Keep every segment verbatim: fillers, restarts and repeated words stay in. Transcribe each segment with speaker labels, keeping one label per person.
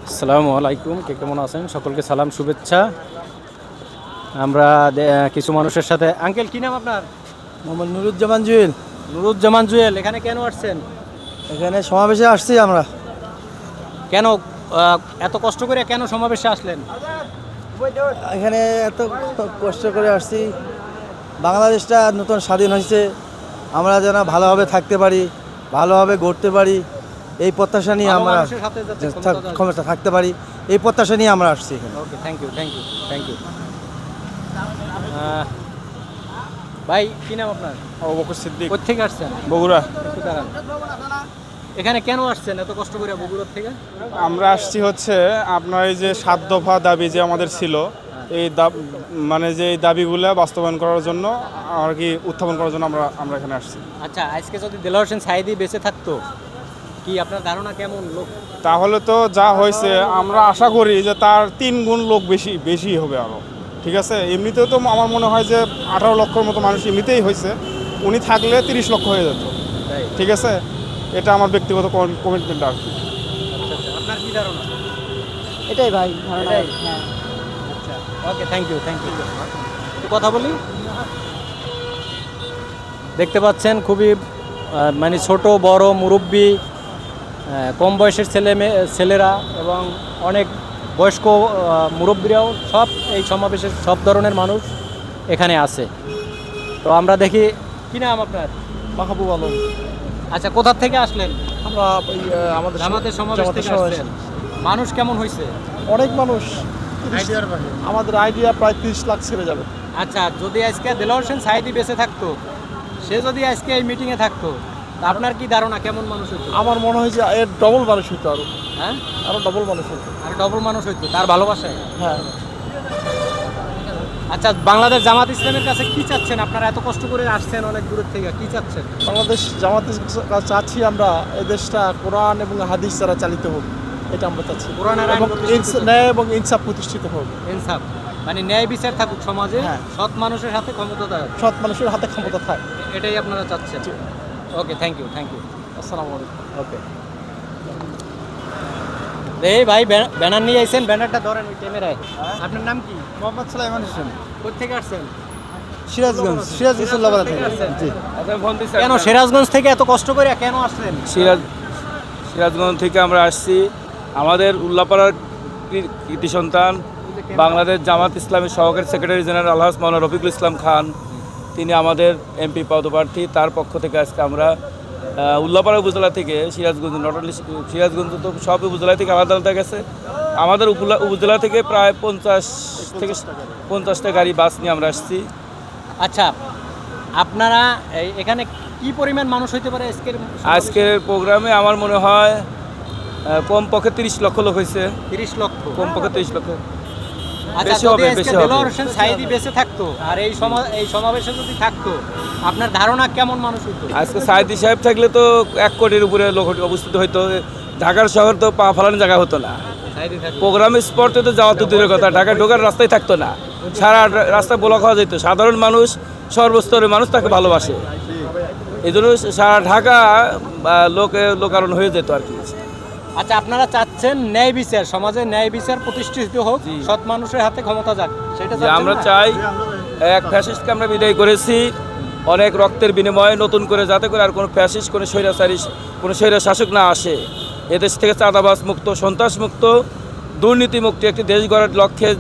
Speaker 1: আসসালামু আলাইকুম, কে কেমন আছেন? সকলকে সালাম শুভেচ্ছা। আমরা কিছু মানুষের সাথে, আঙ্কেল কি নাম আপনার?
Speaker 2: মোহাম্মদ নুরুজ্জামান জুয়েল।
Speaker 1: নুরুজ্জামান জুয়েল, এখানে কেন আসছেন?
Speaker 2: এখানে সমাবেশে আসছি আমরা।
Speaker 1: কেন এত কষ্ট করে কেন সমাবেশে আসলেন?
Speaker 2: এখানে এত কষ্ট করে আসছি, বাংলাদেশটা নতুন স্বাধীন হয়েছে, আমরা যেন ভালোভাবে থাকতে পারি, ভালোভাবে গড়তে পারি, এই প্রত্যাশা নিয়ে আমরা ক্ষমতা থাকতে পারি, এই প্রত্যাশা নিয়ে আমরা আসছি এখানে।
Speaker 1: Okay, thank you thank you thank you ভাই কি নাম আপনার?
Speaker 3: আবু বকর সিদ্দিক।
Speaker 1: কোথা থেকে আসছেন?
Speaker 3: বগুড়া।
Speaker 1: একটু দাঁড়ান। এখানে কেন আসছেন এত কষ্ট করে বগুড়ার থেকে?
Speaker 3: আমরা আসছি হচ্ছে আপনার এই যে সাত দফা দাবি যে আমাদের ছিল, এই মানে যে এই দাবিগুলো বাস্তবায়ন করার জন্য আর কি উত্থাপন করার জন্য আমরা আমরা এখানে আসছি।
Speaker 1: আচ্ছা, আজকে যদি দেলোয়ার হোসেন সাঈদী বেঁচে থাকতো, কি আপনার ধারণা কেমন লোক?
Speaker 3: তাহলে তো যা হয়েছে আমরা আশা করি যে তার তিন গুণ লোক বেশি বেশি হবে আরও। ঠিক আছে, এমনিতেও তো আমার মনে হয় যে আঠারো লক্ষর মতো মানুষ এমনিতেই হয়েছে, উনি থাকলে তিরিশ লক্ষ হয়ে যেত। ঠিক আছে, এটা আমার ব্যক্তিগত কমিটমেন্ট আর কি।
Speaker 1: আপনার কি ধারণা?
Speaker 2: এটাই ভাই ধারণা।
Speaker 1: হ্যাঁ, আচ্ছা, okay, thank you thank you কথা বলি। দেখতে পাচ্ছেন খুবই মানে ছোট বড় মুরব্বী, কম বয়সের ছেলে মেয়ে ছেলেরা এবং অনেক বয়স্ক মুরব্বীরাও সব এই সমাবেশের সব ধরনের মানুষ এখানে আছে। তো আমরা দেখি, কি নাম আপনার?
Speaker 2: মাহবুব আলম।
Speaker 1: আচ্ছা, কোথা থেকে আসলেন?
Speaker 2: আমরা আমাদের
Speaker 1: জামাতের সমাবেশ থেকে আসছেন। মানুষ কেমন হয়েছে?
Speaker 2: অনেক মানুষ, আমাদের আইডিয়া প্রায় তিরিশ লাখ ছেড়ে যাবে।
Speaker 1: আচ্ছা, যদি আজকে দেলোয়ার হোসেন সাঈদী বেঁচে থাকতো, সে যদি আজকে এই মিটিংয়ে থাকতো, আপনার কি ধারণা কেমন মানুষ হইতো?
Speaker 2: আমার মনে হয় যে এর ডবল মানুষ হইতো, আরো
Speaker 1: হ্যাঁ
Speaker 2: আরো ডবল মানুষ হইতো।
Speaker 1: আর ডবল মানুষ হইতো তার ভালোবাসায়।
Speaker 2: হ্যাঁ।
Speaker 1: আচ্ছা, বাংলাদেশ জামাত ইসলামের কাছে কি চাচ্ছেন? আপনারা এত কষ্ট করে আসছেন অনেক দূরের থেকে, কি চাচ্ছেন?
Speaker 2: বাংলাদেশ জামাতের কাছে চাচ্ছি আমরা এই দেশটা কোরআন এবং হাদিস দ্বারা চালিত হোক, এটা আমরা চাচ্ছি।
Speaker 1: কোরআন আর আইন
Speaker 2: এবং
Speaker 1: প্রতিষ্ঠিত
Speaker 2: ইনস- ন্যায় এবং ইনসাফ প্রতিষ্ঠিত হোক।
Speaker 1: ইনসাফ মানে ন্যায় বিচার থাকুক সমাজে,
Speaker 2: হ্যাঁ।
Speaker 1: সৎ মানুষের হাতে ক্ষমতা দেয়,
Speaker 2: সৎ মানুষের হাতে ক্ষমতা থাকে।
Speaker 1: এটাই আপনারা চাচ্ছেন। Okay, thank you thank you
Speaker 2: আসসালামু আলাইকুম।
Speaker 1: ওকে, এই ভাই ব্যানার নিয়ে আইছেন, ব্যানারটা ধরেন ওই ক্যামেরায়। আপনার নাম কি?
Speaker 2: মোহাম্মদ সালাইমান হোসেন।
Speaker 1: কোথেকে আসছেন?
Speaker 2: সিরাজগঞ্জ। সিরাজগঞ্জ লাবাদা থেকে। জি।
Speaker 1: কেন সিরাজগঞ্জ থেকে এত কষ্ট করে কেন আসলেন?
Speaker 4: সিরাজ সিরাজগঞ্জ থেকে আমরা আসছি। আমাদের উল্লাপাড়ার কৃতি সন্তান বাংলাদেশ জামাত ইসলামের সহকারী সেক্রেটারি জেনারেল আলহাজ মাওলানা রফিকুল ইসলাম খান, তিনি আমাদের এমপি পদপ্রার্থী। তার পক্ষ থেকে আজকে আমরা উল্লাপাড়া উপজেলা থেকে সিরাজগঞ্জ, নট অনলি সিরাজগঞ্জ, তো সব উপজেলা থেকে আলাদা আলাদা গেছে। আমাদের উপজেলা থেকে প্রায় পঞ্চাশ থেকে পঞ্চাশটা গাড়ি বাস নিয়ে আমরা আসছি।
Speaker 1: আচ্ছা, আপনারা এখানে কি পরিমাণ মানুষ হইতে পারে আজকের
Speaker 4: আজকের প্রোগ্রামে? আমার মনে হয় কমপক্ষে তিরিশ লক্ষ লোক হয়েছে।
Speaker 1: তিরিশ লক্ষ?
Speaker 4: কমপক্ষে তিরিশ লক্ষ।
Speaker 1: আচ্ছা,
Speaker 4: বেশি
Speaker 1: যদি
Speaker 4: হবে,
Speaker 1: আজকে
Speaker 4: বেশি হবে।
Speaker 1: দেলোয়ার হোসেন সাঈদী বেঁচে থাকতো আর এই সমা এই সমাবেশে যদি থাকতো, আপনার ধারণা কেমন মানুষ হইতো?
Speaker 4: আজকে সাঈদী সাহেব থাকলে তো এক কোটির উপরে লোক অবস্থিত হইতো। ঢাকার শহর তো পা ফেলানোর জায়গা হতো না।
Speaker 1: সাঈদী থাকতো
Speaker 4: প্রোগ্রাম স্পটে তো যাওয়া তো দূরের কথা, ঢাকায় ঢোকার রাস্তায় থাকতো না, সারা রাস্তায় ব্লক হওয়া যেত। সাধারণ মানুষ, সর্বস্তরের মানুষ তাকে ভালোবাসে, এই জন্য সারা ঢাকা লোকে লোকারণ হয়ে যেত আর কি।
Speaker 1: আচ্ছা, আপনারা চাচ্ছেন ন্যায় বিচার, সমাজে ন্যায় বিচার প্রতিষ্ঠিত হোক, সৎ মানুষের হাতে ক্ষমতা যাক, সেটা
Speaker 4: যে আমরা চাই। এক ফ্যাসিস্টকে আমরা বিদায় করেছি অনেক রক্তের বিনিময়ে, নতুন করে যাতে করে আর কোনো ফ্যাসিস্ট, কোনো স্বৈরাচারী, কোনো স্বৈরা শাসক না আসে। এদেশ থেকে চাঁদাবাজ মুক্ত, সন্ত্রাস মুক্ত, দুর্নীতি মুক্ত একটি দেশ গড়ার লক্ষ্যে,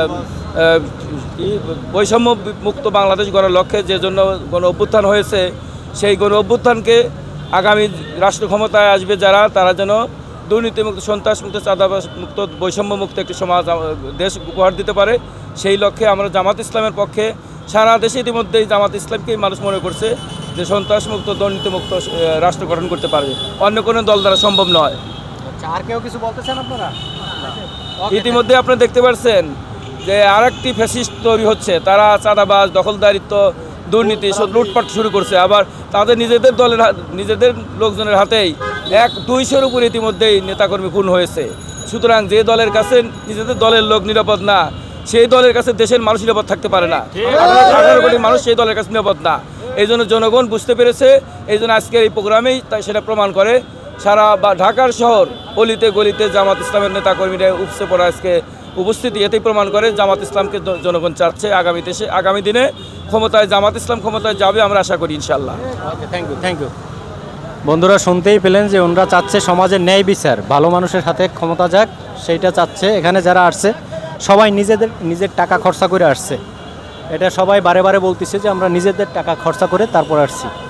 Speaker 4: বৈষম্য মুক্ত বাংলাদেশ গড়ার লক্ষ্যে যে জন্য গণ অভ্যুত্থান হয়েছে, সেই গণ অভ্যুত্থানকে আগামী রাষ্ট্র ক্ষমতায় আসবে যারা, তারা যেন দুর্নীতিমুক্ত, সন্ত্রাসমুক্ত, চাঁদাবাজ মুক্ত, বৈষম্য মুক্ত একটি সমাজ দেশ উপহার দিতে পারে। সেই লক্ষ্যে আমরা জামাত ইসলামের পক্ষে, সারা দেশে ইতিমধ্যেই জামাত ইসলামকেই মানুষ মনে করছে যে সন্ত্রাসমুক্ত, দুর্নীতিমুক্ত রাষ্ট্র গঠন করতে পারবে, অন্য কোনো দল দ্বারা সম্ভব নয়।
Speaker 1: আচ্ছা, আর কেউ কিছু বলতে চান আপনারা?
Speaker 4: ইতিমধ্যে আপনারা দেখতে পাচ্ছেন যে আর একটি ফ্যাসিস্ট তৈরি হচ্ছে, তারা চাঁদাবাজ, দখলদারিত্ব, দুর্নীতি, সব লুটপাট শুরু করছে। আবার তাদের নিজেদের দলের নিজেদের লোকজনের হাতেই এক দুইশোর উপরে ইতিমধ্যেই নেতাকর্মী খুন হয়েছে। সুতরাং যে দলের কাছে নিজেদের দলের লোক নিরাপদ না, সেই দলের কাছে দেশের মানুষ নিরাপদ থাকতে পারে না। আঠারো কোটি মানুষ সেই দলের কাছে নিরাপদ না। এই জন্য জনগণ বুঝতে পেরেছে, এই জন্য আজকের এই প্রোগ্রামেই তাই সেটা প্রমাণ করে সারা বা ঢাকার শহর অলিতে গলিতে জামাত ইসলামের নেতাকর্মীরা উপসে পড়া আজকে উপস্থিতি এতেই প্রমাণ করে জামাত ইসলামকে জ- জনগণ চাচ্ছে আগামীতে সে আগামী দিনে ক্ষমতায় জামাত ইসলাম ক্ষমতায় যাবে আমরা আশা করি ইনশাল্লাহ।
Speaker 1: Okay, thank you thank you. বন্ধুরা শুনতেই পেলেন যে ওনারা চাচ্ছে সমাজের ন্যায় বিচার, ভালো মানুষের হাতে ক্ষমতা যাক, সেইটা চাচ্ছে। এখানে যারা আসছে সবাই নিজেদের নিজের টাকা খরচা করে আসছে, এটা সবাই বারে বারে বলতেছে যে আমরা নিজেদের টাকা খরচা করে তারপর আসছি।